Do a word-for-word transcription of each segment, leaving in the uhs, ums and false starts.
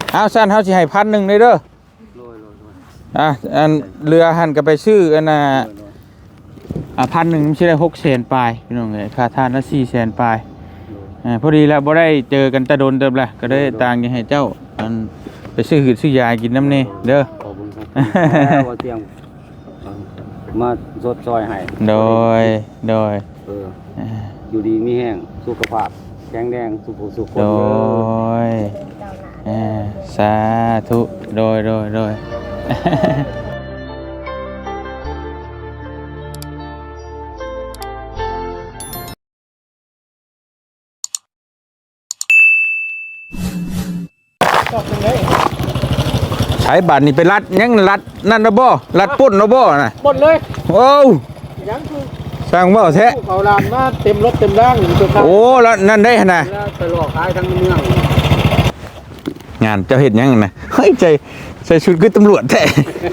เอาสั้นเฮาสิให้พันหนึ่งเลยเด้ออ่ะอันเรือหันก็ไปซื้ออันน่ะอ่ะพันหนึ่งมันสิได้หกแสนปลายพี่น้องเอ้ยค่าทานละสี่แสนปลายอ่าพอดีแล้วบ่ได้เจอกันตะโดนเติมละก็ได้ต่างยังให้เจ้าอันไปซื้อหืดซื้อยากินน้ำนี่เด้อขอบคุณครับว่าเตียงมาสดซอยให้โดยโดยเอออยู่ดีมีแห้งสุขภาพแข็งแรงสุขสุขคนโดยสาธุโดยโดยโดยใช้บัตรนี่ไปรัดยังรัดนั่นนะบ่รัดปุ่นนะบ่น่ะหมดเลยโอ้ยังคือสร้างบ่แท้เขาลานมาเต็มรถเต็มร่างอยู่ตัวโอ้แล้วนั่นได้ขนาดไปหลอกขายทั้งเมืองงานเจ้าเห็นยังนะเฮ้ยใจใส่ชุดคือตำรวจแท้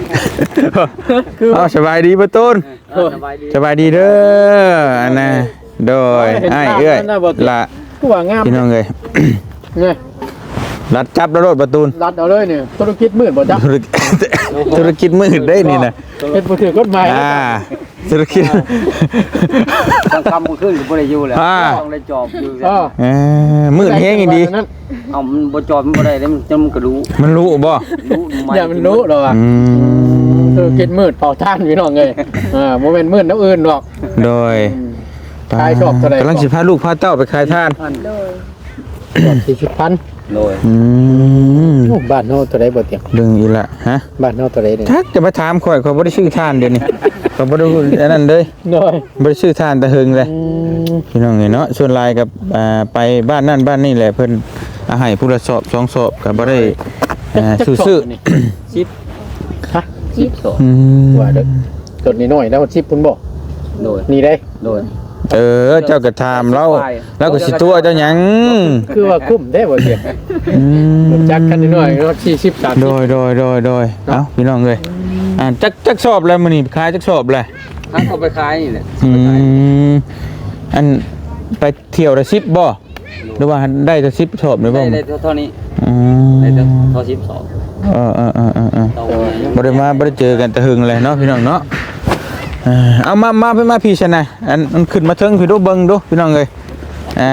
เอาสบายดีป่ะตูนสบายดีเด้ออันน่ะโดยไอ้เอ้ยละพี่น้องเลยเนี่ยรัดจับแล้วรถประตูนรัดเอาเลยเนี่ยธุรกิจมืดบ่จ๊ะธุรกิจมืดได้นี่นะเป็นผู้ถือกฎหมายอ่าธุรกิจต้องคำขึ้นบ่ได้อยู่แล้วต้องได้จอบอยู่เออมืดแห้งอีดีเอามันบ่จอบมันบ่ได้แล้วมันจะมันก็รู้มันรู้บ่รู้อย่ามันรู้หรอกอ่ะธุรกิจมืดเป่าท่านพี่น้องเลยอ่าโมเมนต์มืดน้ำอื่นหรอกโดยขายชอบเท่าไหร่กำลังสิพาลูกพาเต้าไปขายท่านโดยสี่สิบพันโดยบ้านโน่ตัวใดบ่เตียงดึงอีละฮะบ้านโน่ตัวใดเนี่ยทักจะมาถามข่อยข่อยบ่ได้ชื่อท่านเดี๋ยวนี้ข่อยบ่ได้อันนั้นเลยโดยบ่ได้ชื่อท่านตะหึงเลยพี่น้องเนาะส่วนลายกับอ่าไปบ้านนั่นบ้านนี่แหละเพิ่นอาให้ผู้ละสอบสองสอบก็บ่ได้อ่าซื่อๆสิบฮะสิบสองว่าเด้อต้นนี้น้อยแล้วสิบพุ่นบ่โดยนี่ได้โดยเออเจ้าก็ถามเราแล้วก็สิตัวเจ้าหยังคือว่าคุ้มได้บ่เสียอืมจักกันน้อยรถสี่สิบ สามสิบโดยโดยโดยโดยเอ้าพี่น้องเอ้ยอ่าจักจักสอบแล้วมื้อนี้ขายจักสอบแล้วทั้งเอาไปขายนี่แหละอืมอันไปเที่ยวละสิบบ่หรือว่าได้แต่สิบสอบหรือบ่ได้เท่านี้อืมได้เท่าสิบสองเออๆๆๆบ่ได้มาบ่ได้เจอกันแต่หึงเลยเนาะพี่น้องเนาะเอามามาไปมาพี่ชนะอันมันขึ้นมาเทิงพี่ดูเบิ่งดูพี่น้องเอ้ยอ่า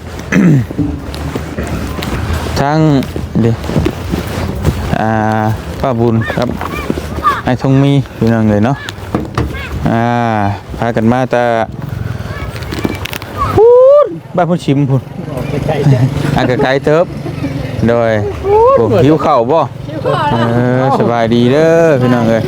ทางเด้อ่าป้าบุญครับไอ้ทงมีพี่น้องเอ้ยเนาะอ่าพากันมาแต่พูดบ้านพุ่นชิมพุ่นอ่ะไกลๆเติบโดยโอ้หิวข้าวบ่เออสบายดีเด้อพี่น้องเอ้ย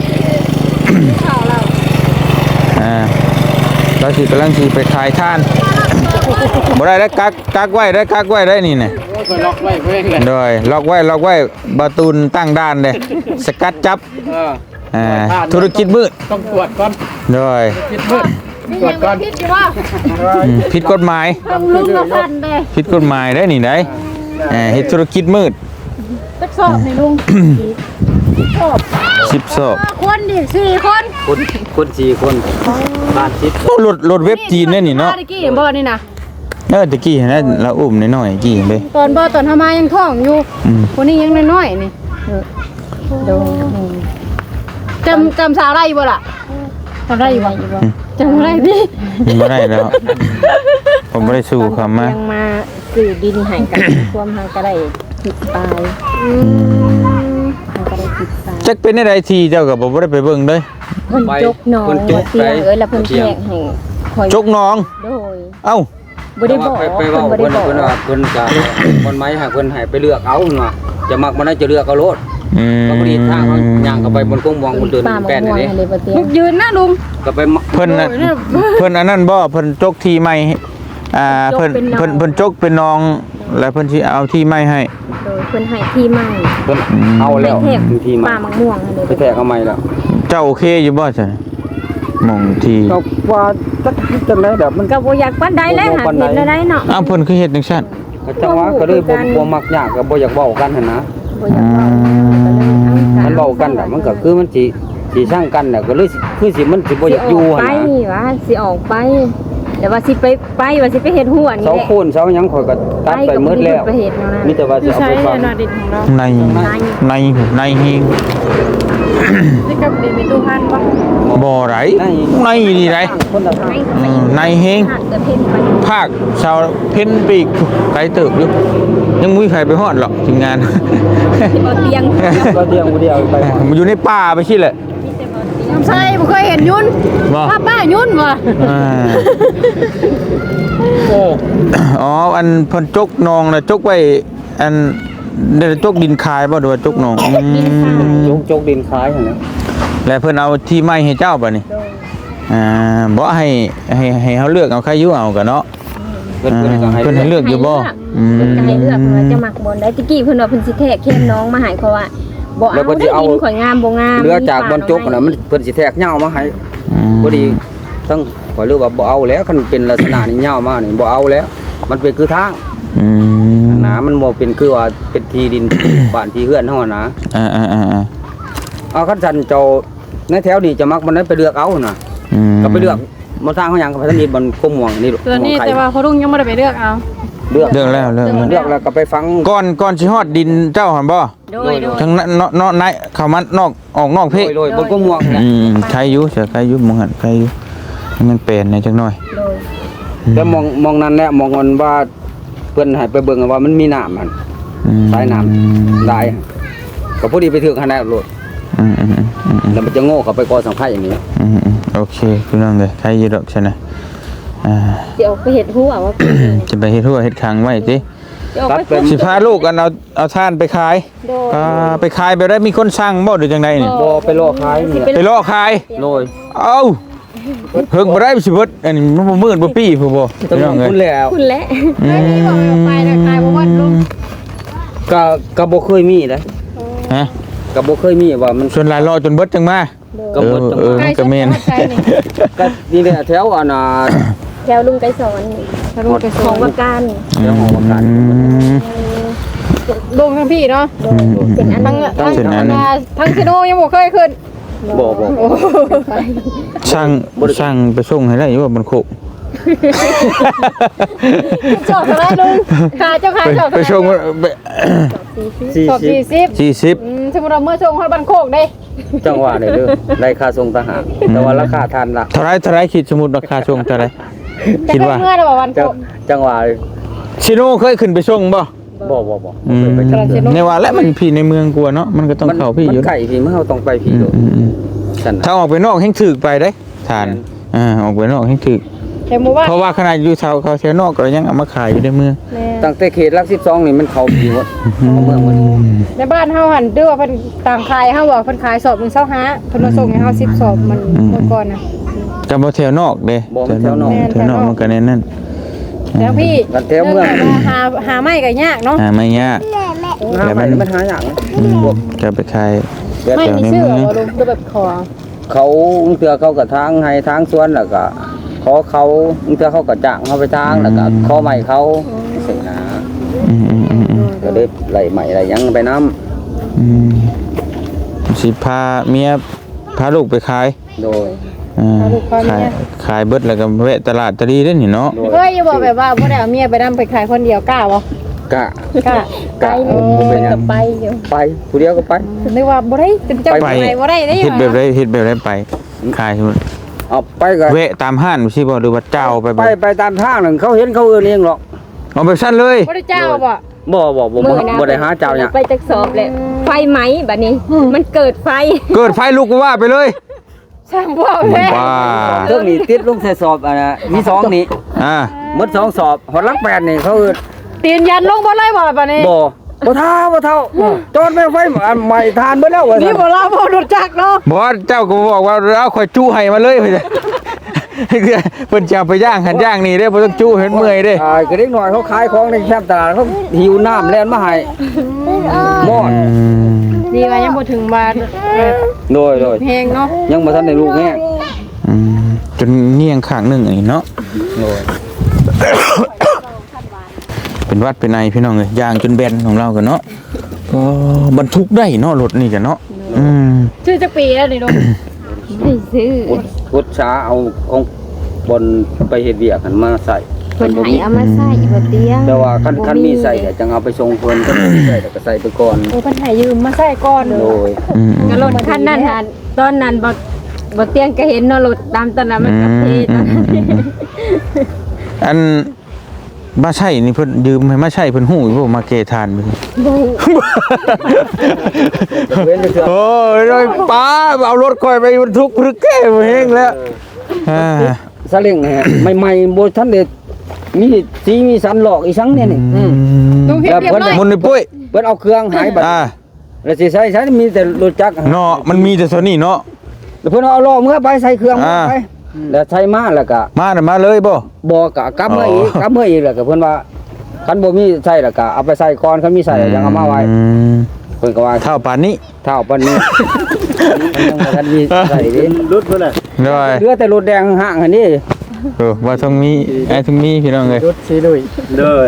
อ่าเราสิกำลังสิไปขายท่านบ่ได้ได้กักกักไว้ได้กักไว้ได้นี่น่ะล็อกไว้เพิ่นโดยล็อกไว้ล็อกไว้บาตูนตั้งด้านเลยสกัดจับอ่าธุรกิจมืดต้องตรวจก่อนโดยธุรกิจมืดตรวจก่อนผิดอยู่ว่าผิดกฎหมายต้องลุงกับพันเด้ผิดกฎหมายได้นี่ได้เอ่อเฮ็ดธุรกิจมืดสักสอบให้ลุงสอบสิบสอบคนดิสี่คนคนคนสี่คนบ้านสิบรถรถเว็บจีนเนี่ยนี่เนาะตะกี้บ่นี่นะเออตะกี้นะเราอุ้มน้อยๆกี้เด้ตอนบ่ตอนทำมายังท้องอยู่คนนี้ยังน้อยๆนี่โดจำจำสาวไรบ่ล่ะจำได้อยู่บ่จำได้ดิบ่ได้แล้วผมบ่ได้สู้คำมายังมาซื้อดินให้กันความหาก็ได้ผิดตายอืมหาก็ได้ผิดตายจักเป็นได้ทีเจ้าก็บ่ได้ไปเบิ่งเด้เพิ่นจกน้องเตียงเอ้ยแล้วเพิ่นแจกให้จกน้องโดยเอ้าบ่ได้บอกไปเว้าเพิ่นเพิ่นว่าเพิ่นจะคนไม้ให้เพิ่นให้ไปเลือกเอาเนาะจะมักบ่ได้จะเลือกเอาโลดอืมก็บ่ได้ทางย่างเข้าไปบนกงมองบนเดินแป้นนี่ยืนนะลุงก็ไปเพิ่นน่ะเพิ่นอันนั้นบ่เพิ่นจกที่ใหม่อ่าเพิ่นเพิ่นเพิ่นจกเป็นน้องแล้วเพิ่นสิเอาที่ใหม่ให้โดยเพิ่นให้ที่ใหม่เพิ่นเอาแล้วที่ใหม่ป่ามะม่วงเลยไปแทกเอาใหม่แล้วเจ้าโอเคอยู่บ่ซั่นมองที่ก็ว่าจักจังได๋แบบมันก็บ่อยากปานใดแล้วหาเฮ็ดได้เนาะอ้าวเพิ่นคือเฮ็ดจังซั่นก็จังว่าก็เลยบ่บ่มักยากก็บ่อยากเว้ากันหั่นนะบ่อยากเว้ามันเว้ากันน่ะมันก็คือมันสิสิสร้างกันน่ะก็เลยคือสิมันสิบ่อยากอยู่หั่นนะไปว่าสิออกไปแต่ว่าสิไปไปว่าสิไปเฮ็ดหัวนี่เสาแหละโคนเสาหยังข่อยก็ตัดไปหมดแล้วไปเฮ็ดแนวนั้นมีแต่ว่าอยู่จะเอาใช้ไปฟังนาดินของเราในในในเฮงนี่กับดินมีตู้พันปะบ่ไรในนี่ไรคนละทางเออในเฮงหาดเกิดเพนไปภาคชาวเพ้นปีกไกลตึกอยู่ยังมุ้ยใครไปฮอดหรอกทีมงานบ่เตียงก็เดียวเดียวไปหมดมันอยู่ในป่าไปชิแหละน้ำใช่บ่เคยเห็นยุ่นบ่ป้าป้ายุ่นวะอ่าโอ้อ๋ออันเพิ่นจกนองน่ะจกไว้อันเดี๋ยวจกดินคายบ่หรือว่าจกนองอืมยกจกดินคล้ายหั่นนะแล้วเพิ่นเอาที่ไม้ให้เจ้าป่ะนี่อ่าบ่ให้ให้ให้เฮาเลือกเอาใครอยู่เอากันเนาะเพิ่นเพิ่นก็ให้เพิ่นให้เลือกอยู่บ่อืมเพิ่นก็ให้เลือกเพิ่นว่าจะมักบ่ได้ตะกี้เพิ่นว่าเพิ่นสิแทกเข้มน้องมาให้เพราะว่าบ่เอาได้ดินข่อยงามบ่งามเรือจากบนจกน่ะมันเพิ่นสิแทกเหย้ามาให้ พอดีทั้งขอยเลือกว่าบ่เอาแล้วคันเป็นลักษณะนี้เหย้ามานี่บ่เอาแล้ว มันเป็นคือทางอืมนะมันบ่เป็นคือว่าเป็นที่ดิน บ้านที่เฮือนเฮานะอ่าๆๆเอาคันสันเจ้าในแถวนี้จะมักมันนั้นไปเลือกเอาน่ะๆอืมก็ไปเลือกบ่ทางเฮาหยังก็ไปทางนี้มันกลมม่วงนี่ลูกตัวนี้ม่วงไข่แต่ว่าเขาลุงยังไม่ได้ไปเลือกเอาเลือกเลือกแล้วเลือกแล้วเลือกแล้วก็ไปฟังก่อนก่อนสิฮอดดินเจ้าหั่นบ่โดยโดยทั้งนั้นเนาะเนาะในเข้ามานอกออกนอกเพโรยๆบนกลมม่วงนี่แหละอืมใครอยู่เสียใครอยู่มองหันใครอยู่ให้มันเป็นในจักหน่อยโดยแต่มองมองนั้นแหละมองมันว่าเพิ่นให้ไปเบิ่งว่ามันมีน้ำมันอืมสายน้ำได้ก็พอดีไปถึงขนาดโลดอืมอืมอืมอืมแล้วมันจะโง่เข้าไปกอสังไข่อย่างนี้อืมอืมโอเคพี่น้องเลยใครอยู่ดอกใช่ไหมอ่าสิเอาไปเฮ็ดหัวว่าจะไปเฮ็ดทั่วเฮ็ดคังไว้สิสิเอาไปสิพาลูกกันเอาเอาท่านไปขายโดยอ่าไปขายไปได้มีคนสั่งบ่หรือจังไดนี่บ่ไปล่อขายนี่แหละไปล่อขายโรยเอ้าเพิ่งบ่ได้สิเบิดอันนี้มันบ่มืดบ่ปี้ผู้บ่ต้องพี่น้องเอ้ยคุณแล้วคุณและอืไอ้นี่บอกเอาไปนะกลายเป็นว่าลุงก็ก็บ่เคยมีเลยฮะก็บ่เคยมีว่ามันส่วนหลายรอจนเบิดจังมาก็เอเบิอดจังเออหวะมันก็แม่นใช่นี่ก็นี่แหละแถวอันน่ะแถวลุงไกรสอนถ้าลุงไปขส่อง งว่าการแถวหอประกันอืมลุงทั้งพี่เนาะโดยเป็นอันทั้นั้งนทั้งเส้นอันนั้นทั้งซิโนยังบ่เคยขึ้นบ่บ่ไปช่างช่างไปส่งให้ได้อยู่ว่าบนโคกจอดเท่าไหรลุงขาเจ้าขาไปจอดไปเท่าไหรส่งไปสี่จอดสิสี่บสิบสี่สิบอืมสมมติเราเมื่อส่งฮอดบ้านโคกได้จังหวะนี่เด้อได้ค่าส่งต่างหากแต่ว่าราคาทันละเท่าไรเท่าไรคิดสมมุติราคาส่งเท่าไรจะคิดได้ว่าเมื่อเราบอกวันจัโคงกจังหวะชิโน่เคยขึ้นไปส่งบ่บ่บ่บ่อืมไปจังในว่าและมันพี่ในเมืองกลัวเนาะมันก็ต้องเข้าพี่อยู่มันไก่พี่มันเฮาต้องไปพี่อืโดมอืมอืมซั่นน่ะถ้าออกไปนอกแห่งถึกไปได้ทานอ่าออกไปนอกแห่งถึกแต่หมู่บ้านเพราะว่าขนาดอยู่แถวเขาแถวนอกก็ยังเอามาขายอยู่ในเมืองแม่ตั้งแต่เขตหลักสิบสองนี่มันเข้าพี่หมดเข้าเมืองหมดในบ้านเฮาหันด้วยว่าเพิ่นต่างขายเฮาบอกเพิ่นขายสอบมึงเช้าหาเพิ่นมาส่งให้เฮาสิบสอบมันเมื่อก่อนน่ะกับบ่แถวนอกเด้บ่แถวนอกแถวนอกมันก็แน่นนั่นแล้วพี่กันแถวเมืองรื่องแบบว่าหาหาไม้ก็ยากเนาะอ่าไม่ยากหาไปมันหาอย่างอืมก็ไปขายไม่มีชื่อบ่ลุงคือแบบขอเขาเทื่อเขาก็ทางให้ทางสวนแล้วก็ขอเขาเทื่อเขาก็จ้างเขาไปทางแล้วก็ขอใหม่เขาสินะอืมอืมอืมอืมก็ได้ไหลใหม่ไหลยังไปน้ำอืมสิพาเมียพาลูกไปขายโดยอ่าขายขายเบิดแล้วก็แวะตลาดตะลีได้นี่เนาะโดยเฮ้ยอย่าบอกแบบว่าบ่ได้เอาเมียไปนำไปขายคนเดียวกล้าบ่กะกล้าไกลเลยบ่เป็นหยังไปอยู่ไปผู้เดียวก็ไปนึกว่าบ่ได้เป็นเจ้าไปไปบ่ได้เด้เฮ็ดแบบไรเฮ็ดแบบไรไปขายสมมุติเอาไปก็แวะตามห้านสิบ่หรือว่าเจ้าไปไปบ่ไปตามทางนึงเขาเห็นเขาเอื้อนเองหรอกเอาแบบสั้นเลยบ่ได้เจ้าบ่บ่บ่บ่บ่บ่ได้หาเจ้าเนี่ยไปจักสอบแหละไฟไหมบัดนี้ มันเกิดไฟเกิดไฟลุกก็ว่าไปเลยช่างบ่แท้ว้าเครื่องนี้ติดลงใส่สอบอ่ะมีสองนี่อ่าหมดสองสอบหอดหลักแปดนี่เขาเอื้อนตีนยันลงบ่เลยบ่บัดนี้บ่บ่เท่าบ่เท่าจอดแม่งไฟอันใหม่ทานเบิดแล้วว่านี่ซั่นบ่ลาบ่รถจักรเนาะบอสเจ้าก็บอกว่าเอาข่อยจู้ให้มาเลย เพิ่นเพิ่นจะเอาไปย่างหันย่างนี่เด้อบ่ต้องจู้เห็นเมื่อยเด้อ่าก็เด็กน้อยเขาขายของในแคมป์ตลาดเขาหิวน้ำแล่นมาให้หมอดอืมดีว่ายังบ่ถึงบ้านเออโดยโดยเพลงเนาะยังบ่ทันได้ลูกแน่อืมจนเงียงข้างหนึงอันนี้เนาะโดยเป็นวัดเป็นไอพี่น้องเอ้ยย่างจนแบนของเรากันเนาะก็บรรทุกได้เนาะรถนี่กันเนาะอืมชื่อจักปีแล้วนี่ลุงไปซื้ออุดอุดช้าเอาของบนไปเฮ็ดเวียกหันมาใส่เพิ่นให้เอามาใส่บ่เตียงแต่ว่าคันคันมีใส่ก็จังเอาไปส่งเพิ่นคันมีใส่ก็ใส่ไปก่อนโอ้เพิ่นให้ยืมมาใส่ก่อนโดยอืมก็รถคันนั้นหาตอนนั้นบ่บ่เตียงก็เห็นเนาะรถตามตอนนั้นมันก็เทตอนนั้นอันมาใช่นี่เพิ่นยืมให้มาใช่เพิ่นฮู้อยู่บ่มาเกทานเพิ่นบ่เว้นเถื่อโอ้ยโดยป้าเอารถค่อยไปบรรทุกพรึกแก้บ่เฮงแล้วอ่าซาเล้งฮะใหม่ๆบ่ทันได้มีสีมีสันหลอกอีสังเนี่ยนี่อืมลุงเฮ็ดเรียบร้อยมุนนี่ปุ้ยเพิ่นเอาเครื่องหายบัดอ่าแล้วสิใช้ใช้มีแต่รถจักรเนาะมันมีแต่โซนี่เนาะแล้วเพิ่นเอาล้อเมื่อไปใส่เครื่องเมื่ออ่าไปแล้วใช้มาแล้วก็มาน่ะมาเลยบ่บ่ก็กลับมาอีกอ๋อกลับมาอีกแล้วก็เพิ่นว่าคันบ่มีใส่แล้วก็เอาไปใส่ก่อนคันมีใส่แล้วยังเอามาไว้อืมเพิ่นก็ว่าเท่าปานนี้เท่าปานนี้มันยังบ่ทันมีใส่ดิรถเพิ่นน่ะเด้อยเหลือแต่รถแดงห่างอันนี้เออว่าต้องมีไอ้ต้องมีพี่น้องเอ้ยรถสีลุยเด้อ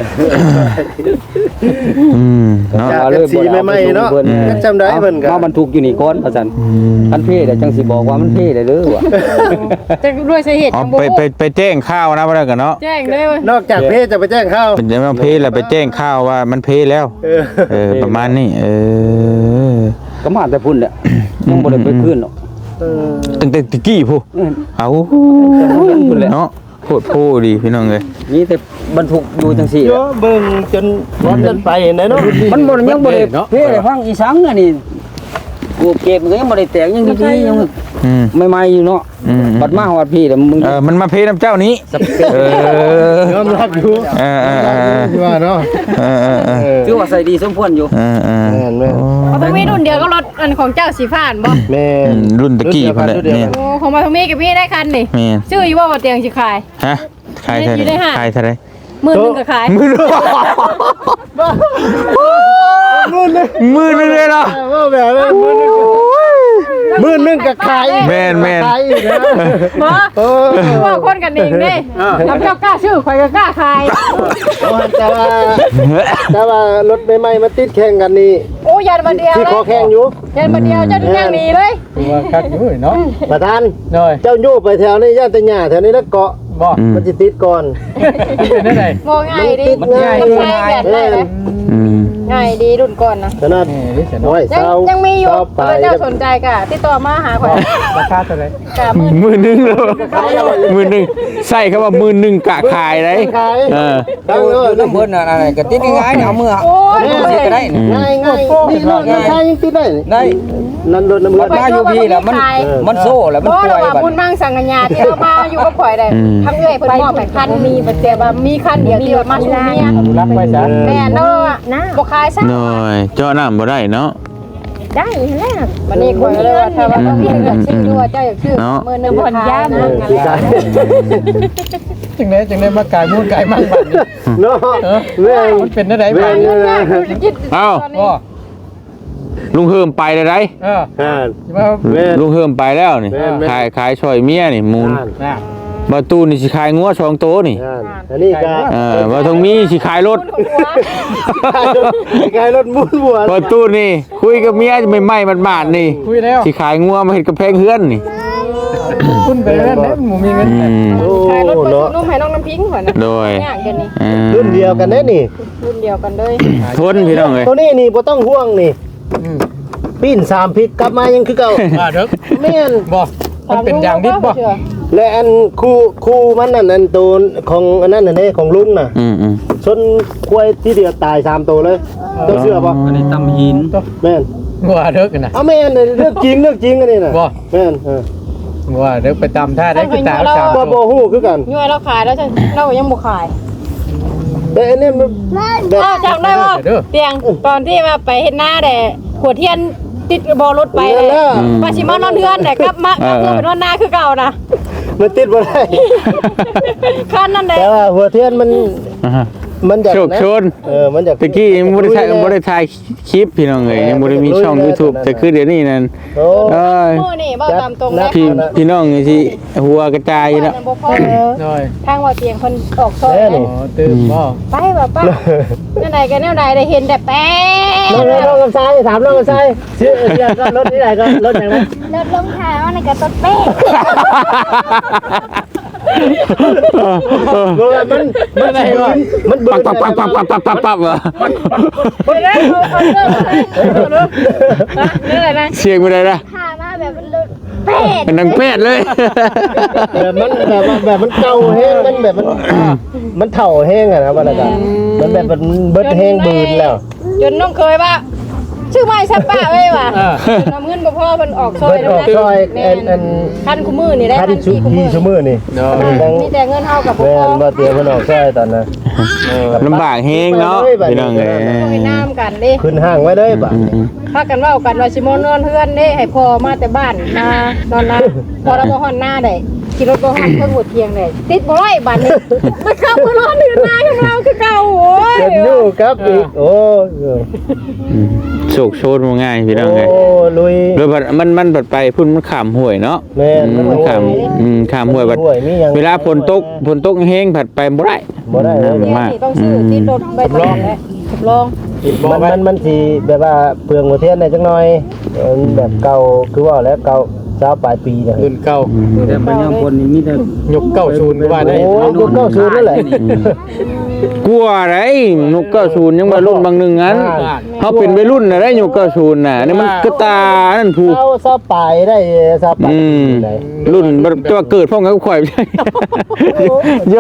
อืมเนาะจากสีใหม่ๆเนาะจำได้เพิ่นก็มาบรรทุกอยู่นี่ก่อนว่าซั่นอืมคันเพ่ได้จังสิบอกว่ามันเพ่ได้เด้อว่ะจะด้วยสาเหตุอ๋อจังบ่ไปไปไปแจ้งข่าวนะบ่ได้กันเนาะแจ้งเลยเว้ยนอกจากเพจจะไปแจ้งเข้าเป็นจังว่าเพแล้วไปแจ้งข่าวว่ามันเพแล้วเออเออประมาณนี้เออก็มาแต่พุ่นแหละยังบ่ได้ไปคืนหรอกเออตั้งแต่ตะกี้พูอืมเอาพุ่นแหละเนาะโคตรโพดีพี่น้องเลยมีแต่บรรทุกอยู่จังซี่แหโยละเบิ่งจนร้อนจนไปนะเนาะมันบ่ยังบ่ได้เพ่ได้ฟังอีสังอันนี้กูเก็บมันก็ยังบ่ได้แตกยังดีๆยังอืมใหม่ๆอยู่เนาะอืมบัดมาฮอดพี่แล้วมึงเออมันมาเพน้ำเจ้านี้เออยอมรับอยู่เออเออเออที่ว่าเนาะเออเออเออถือว่าใส่ดีสมควรอยู่เออเออแม่นแม่นเอาตรงนี้รุ่นเดียวก็รถอันของเจ้าสีฟ้านบ่แม่อืนมรุ่นตะกี้พุ่นแหละแม่นโอ้ของมาตรงนี้กับพี่ได้คันนี่แม่นชื่ออยู่ว่าบ่เตียงสิขายฮะขายเท่าอยู่ในไหร่ห้างขายเท่าไหร่หมื่นหนึงก็ขายมือหนึ่งมือหนึ่งเลยเนาะว่าแบบว่ามื้อนึงก็ขายแม่นแม่นขายอีกนะบ่เออว่าคนกันเองเด้ทำเจ้ากล้าชื่อข่อยก็กล้าขายแต่ว่าแต่ว่ารถใหม่ๆมาติดแข่งกันนี่โอ้ยันมาเดียวที่เลขอย แข่งอยู่ยันมาเดียวเจ้าถึงย่างหนีเลยว่าคักอยู่เนาะประธานหน่อยเจ้าโยไปแถวนี้ย่านตะหญ้าแถวนี้แล้วเกาะบ่อืมมันสิติดก่อนเป็นได้ไงมองง่ายดิมันง่ายมันใช้แบบได้เลยอืมง่ายดีรุ่นก่อนนะขนาดนี่นี่เสียน้น้ออยยยังเศร้ายังมีอยู่เศร้าไปถ้าเจ้าสนใจก็ติดต่อมาหาข่อยราคาเท่าไหร่กะหมื่นมือหนึ่งเลยมือหนึ่งใส่คำว่ามือหนึ่งกะขายเลยขายเออตั้งเลยน้ำเพิ่นน่ะอะไรก็ติดง่ายๆเอามือโอ้ยเอามือสิก็ได้นี่ง่ายง่ายนี่รถน้ำชายังติดได้นี่ได้นั่นรถน้ำเลือดมาอยู่พี่แล้วมันมันโซ่แล้วมันบ่ป่เราวยว่าบัดบุญมั่งสังกัญญาที่เรามาอยู่กับข่อยได้ทำเอื้อยเพิ่นมอบให้คันมีบัดแต่ว่ามีคันเดียวที่ว่ามาชูเมียรักไว้ซะแม่เนาะนะบ่ขายซะหน่อยเจาะน้ำบ่ได้เนาะได้แล้ววันนี้ข่อยก็เลยว่าถ้าว่าต้องมีเงินชื่ออยู่ว่าเจ้าอยากชื่อเนาะมื้อนึงบ่ขายนะที่ขายจึงได้จึงได้มากายมูลกายมั่งบัดนี้เนาะแม่งมันเป็นได้ไงแม่บ้างงเลยนะเอ้าบ่ลุงเฮิมไปเลยไรเอออ่าสิมาแม่งลุงเฮิมไปแล้วนี่แม่นแม่นขายขายช่อยเมียนี่มูลน่ะบาตูนี่สิขายงัวสองโตวนี่อ่าอันนี้ก็เออบาตรงนี้สิขายรถขายรถมุนบัวบาตูนี่ คุยกับเมียไม่ไหม้มันบาดนี่คุยแล้วสิขายงัวมาเห็ดกระแพงเฮือนนี่คุณไปแล้วนะหมูมีเงินอืมโอ้ขายรถไปเนาะซื้อนมให้น้องน้ำพิงข่อยนะโดยย่างกันนี่อืมรุ่นเดียวกันแน่นี่รุ่นเดียวกันเลยทนพี่น้องเลยตัวนี้นี่บ่ต้องห่วงนี่อืมปิ้นสามพิษกลับมายังคือเก่าอ่าเด้อแม่นบ่มันเป็นอย่างดิบบ่และอันคู่คู่มันนั่นอันตัวของอันนั้นน่ะเด้ของลุงน่ะอืมอืมชนกล้วยที่เดียวตายสามตัวเลยเจ้าเชื่อป่ะอันนี้ตำหินแม่นงัวเด้อกันนะเอาแม่นเรื่องจริงเรื่องจริงอันนี้น่ะบ่แม่นเอองัวเด้อไปตามท่าได้คือตาสามบ่บ่ฮู้คือกันย่อยเราขายแล้วจะเรายังบ่ขายแต่อันนี้มันแบบอ้าวจำได้ว่าเตียงตอนที่มาไปเฮ็ดหน้าแต่ขวดเทียนติดบอรถไปเลยมาชิมานอนเทือนแต่กลับมากลับเพื่อไปนอนหน้าคือเก่านะมันติดบ่ได้คันนั่นแหละแต่ว่าหัวเทียนมันอ่าฮะมันอยากโชคชนเออมันอยากตะกี้ยังบ่ได้ถ่ายบ่ได้ถ่ายคลิปพี่น้องเอ้ยยังบ่ได้มีช่อง YouTube แต่คือเดี๋ยวนี้นั่นโอ้เอ้ยมื้อนี่บ่ตามตรงแล้วพี่พี่น้องนี่สิหัวกระจายแล้วบ่พอน้อยทางว่าเตียงเพิ่นออกซอยแน่นะนี่อ๋อตื่นบ่ไปบ่ป้าแนวใดก็แนวใดได้เห็นแต่แป๊น้องน้องกำซ้ายถามน้องกำซ้ายชื่อเสียก็รถที่ไหนก็รถอย่างนั้นรถลงทางมันก็ต้นเป๊ะมันมันอะไรวะมันเบิปั๊ดบปั๊บปั๊บปั๊บปั๊บปั๊บปั๊บปั๊บเหรอไปแล้วเอาเรื่องมาให้เรื่องอะไรนะเสียงบ่ได้ละพามาแบบมันรถเป๊ะเป็นนางแพทย์เลยแบบมันแบบแบบมันเก่าแห้งมันแบบมันมันเถ่าแห้งอะนะว่าแล้วกันมันแบบมันเบิดแห้งบืนแล้วจนน้องเคยว่าชื่อไม่ซับป้าไว้ว่ะน้ำเงินบ่พอเพิ่นออกซอยเบิดออกซอยอันอันคันคู่มือนี่ได้คันคันชุสี่คู่มืพีอชั่วมือนี่มีแต่เงินเฮากับบ่แม่พอนมาเตียงมันออกซอยตอนนั้นลำบากเฮงเนาะพี่น้องเอ้ยไปน้ำกันเด้ขึ้นห้างไว้เลยบ่ะพากันเว้ากันว่าสิมานอนเฮือนเด้ให้พ่อมาแต่บ้านมานอนนาพอเราบ่ฮอนหน้าได้ขี่รถบ่ฮอนเพิ่นหมดเที่ยงได้ติดบ่ร้อยบาทนี่มันเข้ามานอนเฮือนนาของเราคือเก่าโอ้ยเจ็บอยู่ครับอีกโอ้โชคโชนบ่ง่ายพี่น้องเอ้ยโอ้ลุยแล้วบัดมันมันบัดไปพุ่นมันข้ามห้วยเนาะแม่นอืมมันข้ามอืมข้ามห้วยบัดห้วยมีหยังเวลาฝนตกฝนตกแห้งผัดไปบ่ได้บ่ได้เลยน้ำเนี่ยมากนี่ต้องซื้อติดรถใบตองและทดลองมันมันมันสิแบบว่าเปลืองหัวเทียนได้จังหน่อยเออแบบเก่าคือว่าแล้วเก่าสาวปลายปีเนี่ยรุ่นเก่าแต่ปัญญาคนนี่มีแต่ยกเก้าศูนย์ก็ว่าได้โอ้ยยุคเก้าศูนย์นั่นแหละกลัวอะไรนกเก้าศูนย์ยังมารุ่นบางหนึ่งงั้นเขาเป็นวัยรุ่นนะได้นกเก้าศูนย์น่ะนี่มันกระตานั่นผูกเก้าสาวปลายได้สาวปลายอืมได้รุ่นตัวเกิดพ่อกับข่อยไม่ใช่โย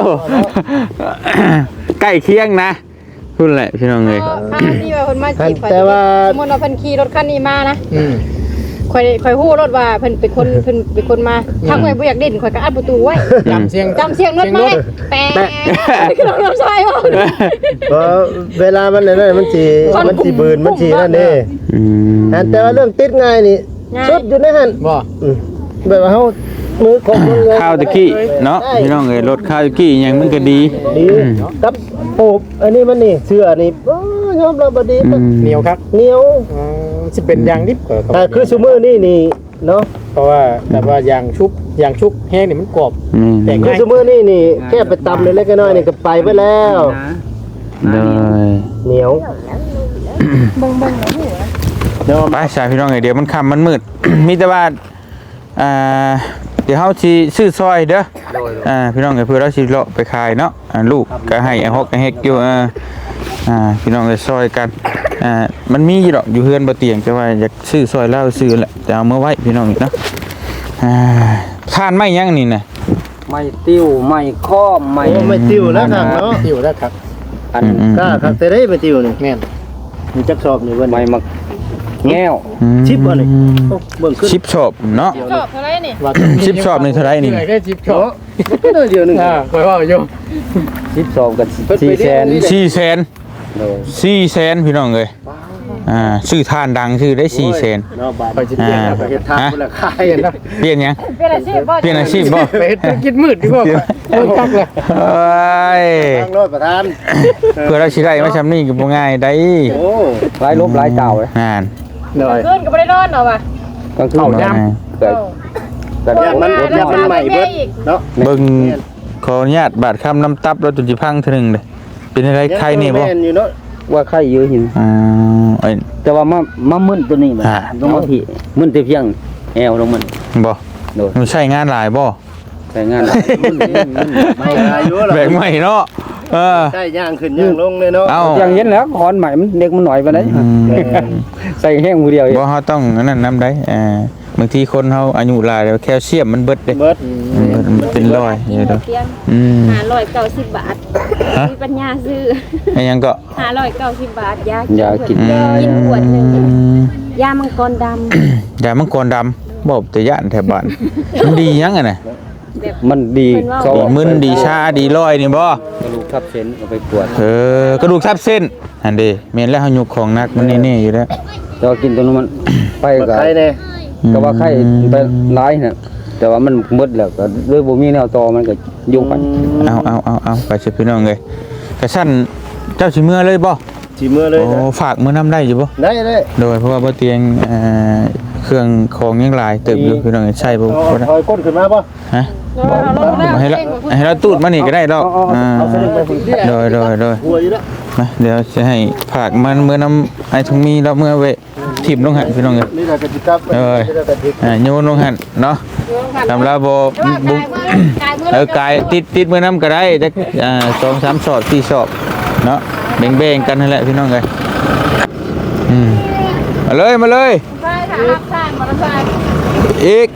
ใกล้เคียงนะรุ่นแหละพี่น้องเลยคันนี้ว่าเพิ่นมาจีบข่อยแต่ว่าสมมุติว่าเพิ่นขี่รถคันนี้มานะอืมข่อยข่อยฮู้รถว่าเพิ่นเป็นคนเพิ่นเป็นคนมาทางข่อยบ่อยากเด่นข่อยก็อัดประตูไว้จำเสียงจำเสียงรถมาไว้แปะคือรถไฟบ่เพราะเวลามันนั่นมันสิมันสิบืนมันสินั่นนี่อืมอันแต่ว่าเรื่องติดง่ายนี่สุดอยู่ในหั่นบ่อืมแบบว่าเฮามือของมือเลยข้าวตะกี้เนาะพี่น้องเลยรถข้าวตะกี้ยังมันก็ดีดีกับปูบอันนี้มันนี่เสื้อนี่โอ้ยยอมรับบ่ดีอืมเหนียวครับเหนียวอ๋อสิเป็นยางดิบก็แต่คือซุมื้อนี่นี่เนาะเพราะว่าแบบว่ายางชุบยางชุบแห้งนี่มันกรอบอืมแต่คือซุมื้อนี่นี่แค่ไปตำเล็กๆน้อยๆนี่ก็ไปไปแล้วเลยเหนียวไปสายพี่น้องเลยเดี๋ยวมันค่ำมันมืด มีแต่ว่าอ่าเดี๋ยวเฮาสิซื้อซอยเด้ออ่าพี่น้องเอ้ยเพื่อเราสิเลาะไปขายเนาะอ่าลูกก็ให้ไอ้ฮอกไอ้เฮกอยู่อ่าอ่าพี่น้องเอ้ยซอยกันอ่ามันมีอยู่ดอกอยู่เฮือนบ่เตียงแต่ว่าอยากซื้อซอยแล้วซื้อแหละแต่เอามาไว้พี่น้องอีกเนาะอ่าทานไม่ยังนี่น่ะไม่ติ้วไม่ข้อมไม่โอ้ไม่ติวแล้วครับเนาะอยู่แล้วครับอันอืมกล้าครับแต่ได้ไม่ติวนี่แม่นมีจักสอบนี่เบิ่นไม่มักแง้วอืมชิปบ่นี่โอ้เบิ่งขึ้นชิปชอบเนาะชอบเท่าไหร่นี่ว่าชิปชอบนี่เท่าไหร่นี่แค่ชิปชอบก็ได้เดียวหนึงอ่าคอยว่าอยู่สิบสองกับสี่แสนสี่แสนโดยสี่แสนพี่น้องเอ้ยอ่าชื่อทานดังชื่อได้สี่แสนเนาะบาดคอยสิเปลี่ยนแล้วเฮ็ดทางพุ่นละขายเปลี่ยนแล้วเปลี่ยนยังเป็นอาชีพบ่เปลี่ยนอาชีพบ่ไปเฮ็ดธุรกิจมืดดีกว่าเออคักเลยเอ้ยทางรถประธานเพื่อเราสิได้มาชำนี่ก็บ่ง่ายได้โอ้หลายลบหลายเจ้าเลยอ่านหน่อยเกินก็บ่ได้นอนเนาะว่ะกลางคืนเอาย่เกิดแต่ยามันยามันใหม่เบิดเนาะเบิ่งขออนุญาตบาดคำน้ำตับแล้วตุจิพังเทื่อหนึงเด้เป็นอะไรใครนี่บ่แม่นอยู่เนาะว่าไข่เยอะหินอ่าไอ้แต่ว่ามามามึนตัวนี้มันอ่าต้องมาที่มึนแต่เพียงแอวลงมันบ่โดยมันใช้งานหลายบ่แต่งานมึนมึนมึนไม่อายุล่ะแบกใหม่เนาะเออใช่ย่างขึ้นย่างลงเลยเนาะเอ้าอย่างเห็นแล้วคอนใหม่มันเด็กมันหน่อยไปไหนอืมใส่แห้งมือเดียวเองบ่เฮาต้องอันนั้นนำได้อ่าบางทีคนเฮาอายุหลายแล้วแคลเซียมมันเบิดเด้เบิดอืมมันเป็นรอยอยู่เด้อเตียงอืมห้าร้อยเก้าสิบบาทฮะมีปัญญาซื้อไอ้หยังก็ห้าร้อยเก้าสิบบาทยาอย่ากินอืมกินขวดหนึ่งยามังกรดำยามังกรดำบ่แต่ย่านแถวบ้าน มันดีหยังอ่ะน่ะมันดีเขาดีมึนดีชาดีร้อยนี่บ่กระดูกทับเส้นเอาไปกวดเออกระดูกทับเส้นอันเด้แม่นแล้วเฮายกของหนักมันแน่ๆอยู่แล้วแต่ว่ากินตัวนั้นมันไปเบิดกับใครแน่ก็ว่าไข่ไปร้ายน่ะแต่ว่ามันหมดแล้วก็ด้วยบ่มีแนวต่อมันก็ยุ่งไปเอาเอาเอาเอาไปสิพี่น้องเอ้ยกระชั้นเจ้าสิเมื่อเลยบ่สิเมื่อเลยโอ้ฝากมื้อนำได้อยู่บ่ได้ได้โดยเพราะว่าบ่เตียงเอ่อเครื่องของยังหลายเติบอยู่พี่น้องใช่บ่เอาบ่ได้ถอยก้นขึ้นมาป่ะฮะบ่ให้เราให้เราตูดมานี่ก็ได้ดอกอ่าเอาสลิงไปฝึกโดยโดยโดยหัวอยู่แล้วมาเดี๋ยวจะให้ฝากมันมื้อนำไอ้ทงมีแล้วเมื่อเวะทิ่มลงหั่นพี่น้องเอ้ยนี่แหละกติกาเอ้ยอ่าโยนลงหั่นเนาะสำหรับบ่บุเออกายติดติดมื้อนำก็ได้จักอ่าสองสามสอบสี่สอบเนาะแบ่งๆกันนั่นแหละพี่น้องเอ้ยอืมมาเลยมาเลยใช่ค่ะรับสร้างมอเตอร์ไซค์อีก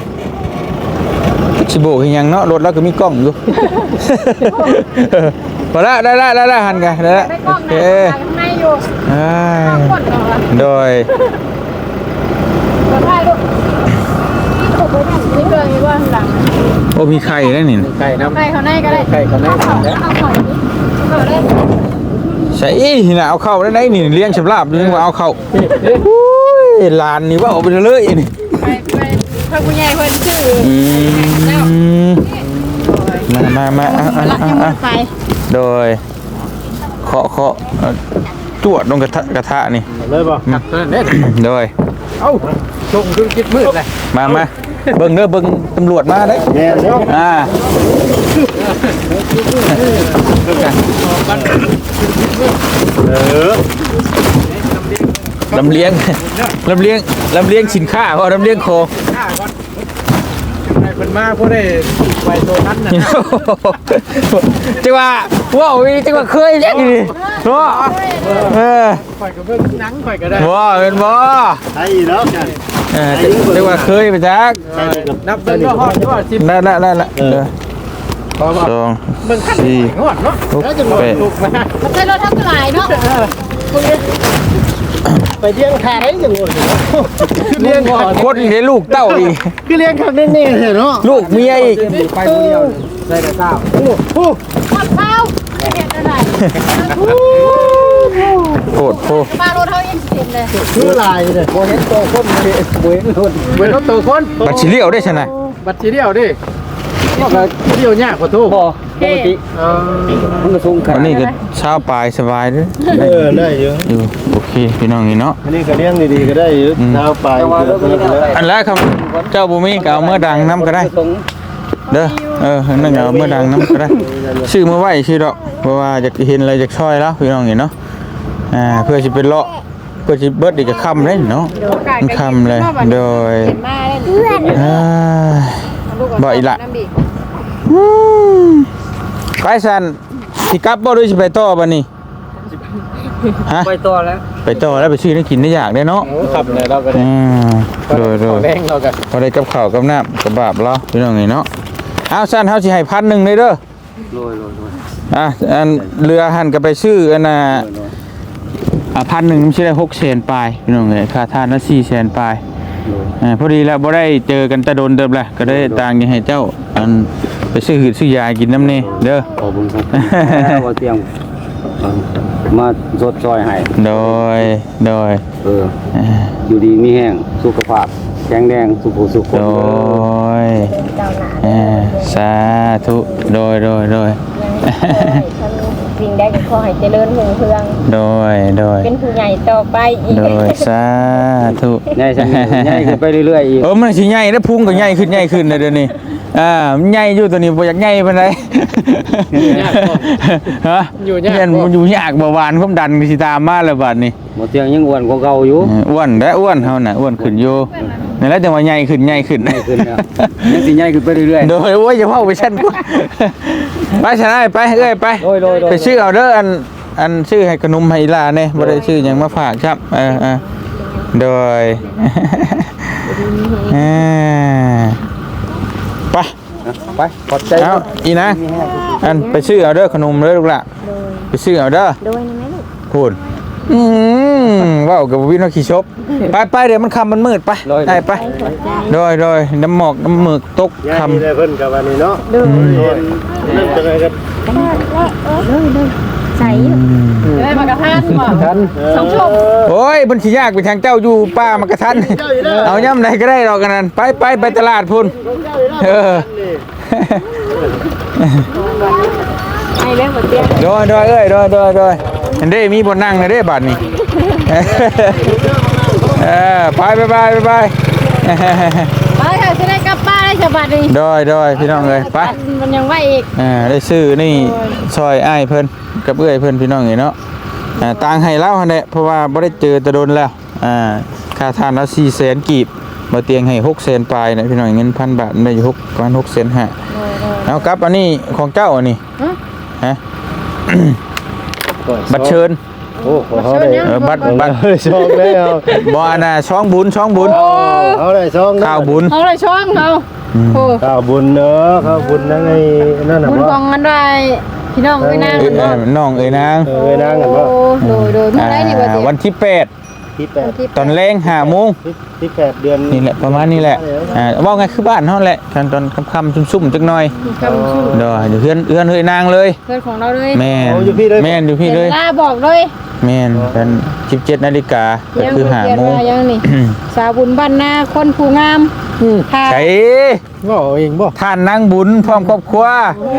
ชิโบกยังเนาะรถเราก็มีกล้องอยู่ พอละได้ละได้ละหันกันได้ละได้กล้โอองเคนะข้างในอยู่อ่ากดก่อนโดยกดได้ลูกนี่ถูกไปเนี่ยนี่เกินมีว่าข้างหลังโอ้มีไข่ได้นี่ไก่น้ำใครเขาในก็ได้ไก่เขาในเอาเขาเอาเขาเอาได้ใช่อีน่ะเอาเข้าได้ไหนนี่เลี้ยงฉลาบเลี้ยงว่าเอาเข้าอุ้ยหลานนี่ว่าเอาไปเลยนี่ไปไปถ้าผู้ใหญ่เพิ่นชื่ออืมมามามาอ่ะอ่ะรักอ่ะยังอ่ะไม่ไปโดยเคาะเคาะเอ่อจวดลงกระทะกระทะนี่เลยป่ะหักเท่านั้นเด้โดยเอ้าชงจนคิดมืดเลยมามาเบิ่งเด้อเบิ่งตำรวจมาเด้อแน่เนาะอ่าเออลำเลียง ลำเลียง ลำเลียงสินค้าเพราะลำเลียงของข้าก่อนไอ้เพิ่นมาพวกได้ไว้ตัวนั้นน่ะจังว่าว้าวจังว่าเคยเล่นนี่เนาะเออข่อยก็เบิ่งหนังข่อยก็ได้ว้าเป็นบ่ไอ้เนาะกันเออจังว่าเคยไปจักนับเบิ่งว่าฮอดว่าสิบนั่นนั่นนั่นเออพอว่าสองเบิ่งขั้นสี่งอดเนาะหกแปดลูกมามันใช้รถทั้งหลายเนาะไปเลี้ยงขายจังหวะเลี้ยงก่อนคนเลี้ยงลูกเต้าอีกคือเลี้ยงข้างแน่ๆเนาะลูกเมียอีกไปผู้เดียวได้แต่เช้าโอ้โหหมดข้าวไม่เห็นอะไรโคตรโคตรมารถเขายังเต็มเลยคือลายเลยบ่เห็นตัวคนบ่เห็นบ่เห็นคนเว้นตัวคนบัตรชิเลี้ยวได้ชนะบัตรสีเดียวดิก็เดียวยากกว่าทุกพอปกติเออมันก็สูงขวันาดนนี้ก็เช้าปลายสบายเด้อเออได้เยอะอยู่โอเคพี่น้องนี่เนาะอันนี้ก็เลี้ยงดีๆก็ได้เยอะเท้าไปแต่ว่าเรื่องนี้เนี่ยอันแรกครับเจ้าบุมีก็เอาเมื่อดังน้ำก็ได้ตรงเด้อเออนั่นก็เอาเมื่อดังน้ำก็ได้ชื่อเมื่อไหวชื่อดอกเพราะว่าอยากเห็นอะไรจากช่อยแล้วพี่น้องเห็นเนาะอ่าเพื่อจะเป็นเลาะเพื่อจะเบิดอีกจะค่ำเลยเนาะมันค่ำเลยโดยเห็นมาเลยอ่าบ่อีกละอืมไปสันสิกลับบ่ด้วยสิไปต่อบัดนี้ฮะไปต่อแล้วไปต่อแล้วไปซื้อได้กินได้อยากได้เนาะขับเลยเราก็ได้อืมโดยโดยแรงเราก็พอได้กับข้าวกับน้ำกับบาบเราพี่น้องไงเนาะเอาสั้นเฮาสิให้พันหนึ่งเลยเด้อโรยโรยโรยอ่ะอันเรือหันก็ไปชื่ออันน่ะอ่ะพันหนึ่งมันใช่ได้หกแสนปลายพี่น้องไงค่าทานละสี่แสนปลายโรยอ่าพอดีแล้วบ่ได้เจอกันแตะโดนเดิมแหละก็ได้ต่างยังให้เจ้าอันไปซื้อหืดซื้อยากินน้ำนี่เด้อขอบคุณครับแล้วก็เตรียมเอ่อมาสดซอยให้โดยโดยเอออ่าอยู่ดีมีแห้งสุขภาพแข็งแรงสุขสุขคนโดเด้อยเจ้าหน้าอ่าสาธุโดยโดยโดยทำสิ่งใดก็ขอให้เจริญรุ่งเรืองโดยโดยเป็นผู้ใหญ่ต่อไปอีกโดยสาธุใหญ่ใช่ใหญ่ขึ้นไปเรื่อยๆอีกเออมันสิใหญ่แล้วพุงก็ใหญ่ขึ้นใหญ่ขึ้นเลยเดี๋ยวนี้อ่ามันใหญ่อยู่ตัวนี้บ่อยากใหญ่ปานใดฮะเนี่ยมันอยู่ยากเบาหวานความดันก็สิตามมาแล้วบัดนี้หมดเตียงยังอ้วนกว่าเก่าอยู่เอออ้วนและอ้วนเฮาน่ะอ้วนขึ้นอยู่นั่นแหละจังว่าใหญ่ขึ้นใหญ่ขึ้นใหญ่ขึ้นแล้วยังสิใหญ่ขึ้นไปเรื่อยๆโดยโอ้ยอย่าเว้าไปชั้นกูไปชนะไปเอ้ยไปโดยโดยโดยไปซื้อเอาเด้ออันอันซื้อให้ขนมให้อีหลาแน่บ่ได้ซื้อหยังมาฝากครับเออๆโดยอ่าไปไปขอบใจเอาอีนะอันไปซื้อเอาเด้อขนมเด้อลูกละไปซื้อเอาเด้อโดยนะแม่ลูกพูดอืมว้าวกับวินว่าขี่ชบไปไปเดี๋ยวมันคำมันมืดไปได้ไปโดยโดยน้ำหมอกน้ำหมึกตกยายคำนี่ได้เพิ่นกับวันนี้เนาะโดยเริ่มจะไงกันเลยเลยใส่อยู่ได้มากระทานบ่ทันสองชั่วโมงโอ้ยบัญชียากไปทางเจ้าอยู่ป้ามากระทันเอาย่ำไหนก็ได้หรอกกันนั้นไปไปไปตลาดพุ่นเออไอ้เรื่องบ่เตียงโดยโดยเอ้ยโดยโดยโดยเห็นได้มีบนนั่งเลยได้บัดนี่ เออไปไปไปไปไปไปค่ะจะได้กลับบ้านได้ฉบับนี้โดยโดยพี่น้องเลยไปมันยังไหวอีกอ่าได้ซื้อนี่ซอยอ้ายเพิ่นกับเอื้อยเพิ่นพี่น้องเนาะอ่าต่างให้เล่าหั่นแหละเพราะว่าบ่ได้เจอแต่โดนแล้วอ่าค่าทานละสี่แสนกีบบ่เตียงให้หกแสนปลายนะพี่น้องเงินพันบาทได้อยู่หกประมาณหกแสนห้าเอากลับอันนี้ของเจ้าอันนี้ฮะ บัตรเชิญโอ้ขอเขาได้เออบัตรบัตรเฮ้ยช่องได้เอาบ่อันน่ะช่องบุญช่องบุญเขาได้ช่องได้ข้าวบุญเอาเลยช่องเขาโอ้ข้าวบุญเนอะข้าวบุญนั่นไงนั่นน่ะบุญว่ากองกันได้พี่น้องไม่นางเอ้กัยนเอ้บ่ยน้องเอ้ยนางเออนั่งกันว่าโอ้โดยโดยเมื่อไรนี่บ่เตียงวันที่แปดที่แปดตอนแรงห้าโมงที่ที่แปดเดือนนี่แหละประมาณนี้แหละอ่าว่าไงคือบ้านเฮาแหละตอนตอนค่ำๆซุ่มๆจักหน่อยคำชื่อเด้อเดี๋ยวเฮือนเฮือนเฮ้ยนางเลยเพื่อนของเราเลยแม่นแม่นอยู่พี่เลยลาบอกเลยแม่นเป็นสิบเจ็ดนาฬิกาก็คือห้าโมงยังนี่สาวบุญบ้านนาคนผู้งามค่ะใช่ว่าเองบ่ท่านนางบุญพร้อมครอบครัว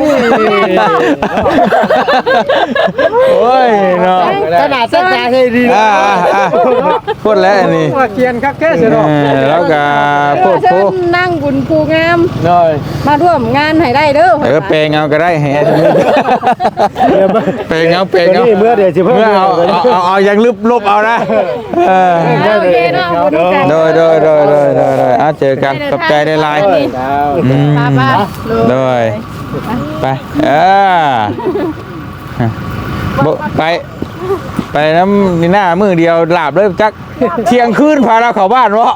โอ้ยเนาะขนาดตั้งใจให้ดีอ่าอ่าพูดแล้วอันนี่ว่าเขียนคักแค่เสียดอกแล้วก็พูดเชิพูดญนั่งบุญผู้งามน้อยมาร่วมงานให้ได้เด้อเออเปลงเอาก็ได้ให้อันนี้เปลงเอาเปลงเอานี่เมื่อเดี๋ยวสิเพิ่มเมื่อเอาเอาเอาเอายังลึบลบเอานะเออโอเคเนาะบุญกันโดยโดยโดยโดยโดยโดยเอาเจอกันขอบใจได้ไลน์ดาวอืมป้าป้าโดยไปเออบ่ไปไปน้ำนี่หน้ามือเดียวหลาบเลยจักเที่ยงคืนพาเราเข้าบ้านวะ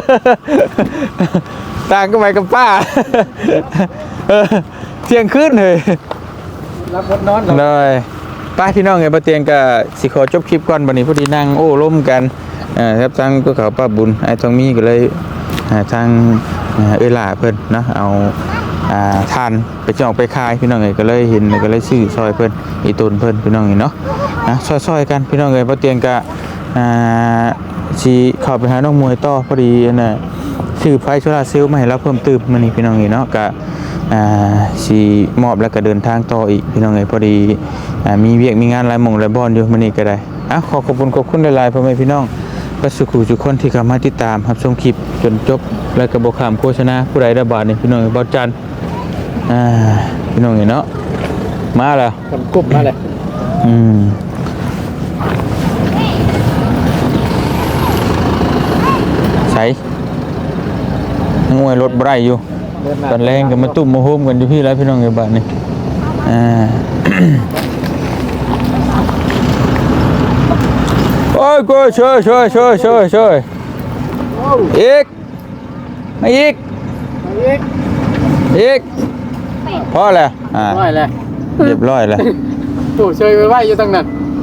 ต่างก็ไปกับป้าเออเที่ยงคืนเลยรับบทนอนเลยป้าพี่น้องไงป้าเตียงก็สิขอจบคลิปก่อนวันนี้พอดีนั่งโอ้ล้มกันเอ่อครับทางก็เขาป้าบุญไอ้ทองมีก็เลยหาทางเออล่าเพิ่นเนาะเอาอ่าทานไปจองไปขายพี่น้องเอ้ยก็เลยเห็นก็เลยซื้อซอยเพิ่นอีตุนเพิ่นพี่น้องเอ้ยเนาะนะซอยๆกันพี่น้องเอ้ยป้าเตียงก็อ่าสิเข้าไปหาน้องมวยต่อพอดีอันน่ะซื้อไฟโซลาร์เซลล์มาให้เราเพิ่มเติมมื้อนี้พี่น้องเอ้ยเนาะก็อ่าสิมอบแล้วก็เดินทางต่ออีกพี่น้องเอ้ยพอดีอ่ามีเวียกมีงานหลายหม่องหลายบ่อนอยู่มื้อนี้ก็ได้อ่ะขอขอบคุณขอบคุณหลายๆพ่อแม่พี่น้องก็สุขุทุกคนที่เข้ามาติดตามรับชมคลิปจนจบแล้วก็บ่ข้ามโฆษณาผู้ใดได้บาทนี่พี่น้องเอ้ยบ่จันอ่าพี่น้องเอ้ยเนาะมาแล้วทำกุ๊บมาเลยอืมใส่นังวยรถบ่ได้อยู่ตอนแรงก็มาตุ้มมาโฮมกันอยู่พี่แล้วพี่น้องเอ้ยบาทนี่อ่า โอ้ยกูช่วยช่วยช่วยช่วยช่วยอีกมาอีกอีกพอแล้วอ่าน้อยเลยเรียบร้อยแล้วตู้เชยไว้ไว้อยู่ตั้งนั้น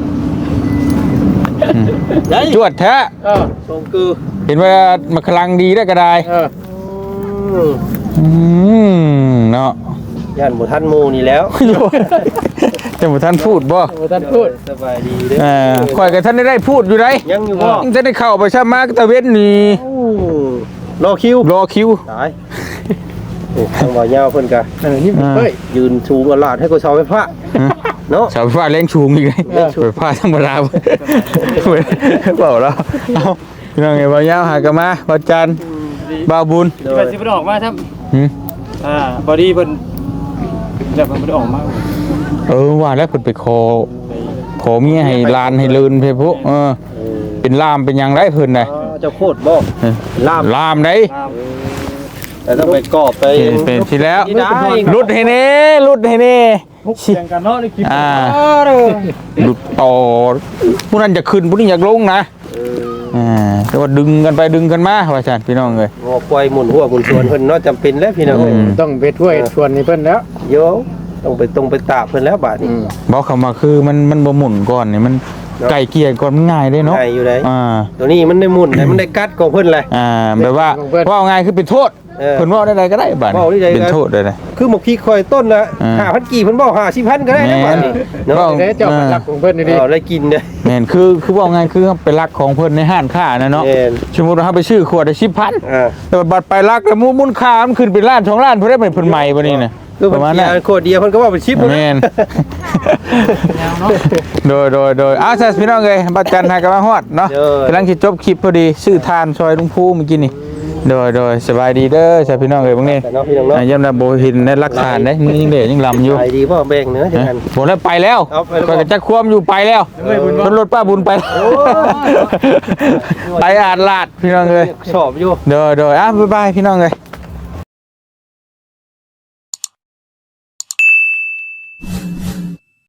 อืมจวดแท้เออทรงคือเห็นว่ามันกำลังดีได้ก็ได้เอออืมเนาะย่านบ่ทันหมู่นี่แล้วจะมาท่านพูดบ่โอ้ท่านพูดสบายดีเด้ออ่าข่อยกับท่านได้ได้พูดอยู่ไหนยังอยู่บ่ยังจะได้เข้าไปชามาตะเวนนี่รอคิวรอคิวตายโอ้ทางบ่ยาวเพิ่นก็เออนี่อ่าเฮ้ยยืนชูกระลาดให้กูเสาไฟฟ้าเนาะเสาไฟฟ้าแรงชูงอีกเลยไฟฟ้าธรรมดาเปล่าแล้วเอาพี่น้องไงบ่าวยาวหากนมาบ่าวจันทร์บ่าวบุญที่มันสิบ่ออกมาครับหืมอ่าบอดี้เพิ่นแล้วมันบ่ได้ออกมาเออว่าแล้วเพิ่นไปขอขอเมียให้ลานให้ลืนไปพวกเออเป็นลามเป็นหยังไรเพิ่นน่ะอ๋อเจ้าโคตรบ่เออลามลามได้แต่ต้องไปกอบไปเป็นเป็นสิแล้วนี่ได้รุดให้แน่รุดให้แน่เสียงกันเนาะในคลิปอ่าหลุดต่อผู้นั้นจะขึ้นผู้นี้อยากลงนะเอออ่าแต่ว่าดึงกันไปดึงกันมาว่าซั่นพี่น้องเอ้ยงอควายหมุนหัวหมุนสวนเพิ่นเนาะจำเป็นแล้วพี่น้องเอ้ยอืมต้องไปช่วยชวนนี่เพิ่นแล้วโยต้องไปตรงไปตาบเพิ่นแล้วบาดนี้บอกคำว่าคือมันมันบ่หมุนก่อนนี่มันไก่เกลี่ยก่อนมันง่ายเด้เนาะง่ายอยู่ได้อ่าตัวนี้มันได้หมุนได้มันได้กัดของเพิ่นเลยอ่าแบบว่าว่าง่ายคือเป็นโทษเออเพิ่นเว้าได้ใดก็ได้บัดเว้าได้ใดก็เป็นโทษได้เลยคือหมกพริกคอยต้นละอ่าห้าพันกี่เพิ่นบอกห้าสิบพันก็ได้นะบัดนี้เนาะเว้าเด้เจ้าไปรักของเพิ่นนี่ดิเอาได้กินเด้อแม่นคือคือเว้าง่ายคือไปลักของเพิ่นในห้างค้านะเนาะแม่นสมมุติว่าเฮาไปซื้อขวดได้สิบพันอ่าแต่ว่าบัดไปลักแล้วมูลมูลค่ามันขึ้นเป็นล้านสองล้านเพิ่นได้เป็นเพิ่นใหม่บ่นี่น่ะคือปเพิ่นระมาณเกีนั้ยนร์โคตรเดียวเพิ่นก็ว่าเป็นชิปแม่น โดยโดยโดยอ้าวซะพี่น้องเอ้ยบัดจันทร์หากำลังฮอดเนาะกำลังสิจบคลิปพอดีซื้อทานซอยลุงภูเมื่อกี้นี่โดยโดยสบายดีเด้อซะพี่น้องเอ้ยพวกนี้แต่เนาะพี่น้องเนาะอ่าย่ำนะโบหินในหลักฐานได้มือยังเด็ยังลำอยู่ไปดีพ่อแบ่งเนื้อจังนะกันผมแล้วไปแล้วเอาไปแล้วก็จะควมอยู่ไปแล้วรถรถป้าบุญไปไปอาดลาดพี่น้องเลยชอบอยู่เด้อเด้ออ่ะบ๊ายบายพี่น้องเลย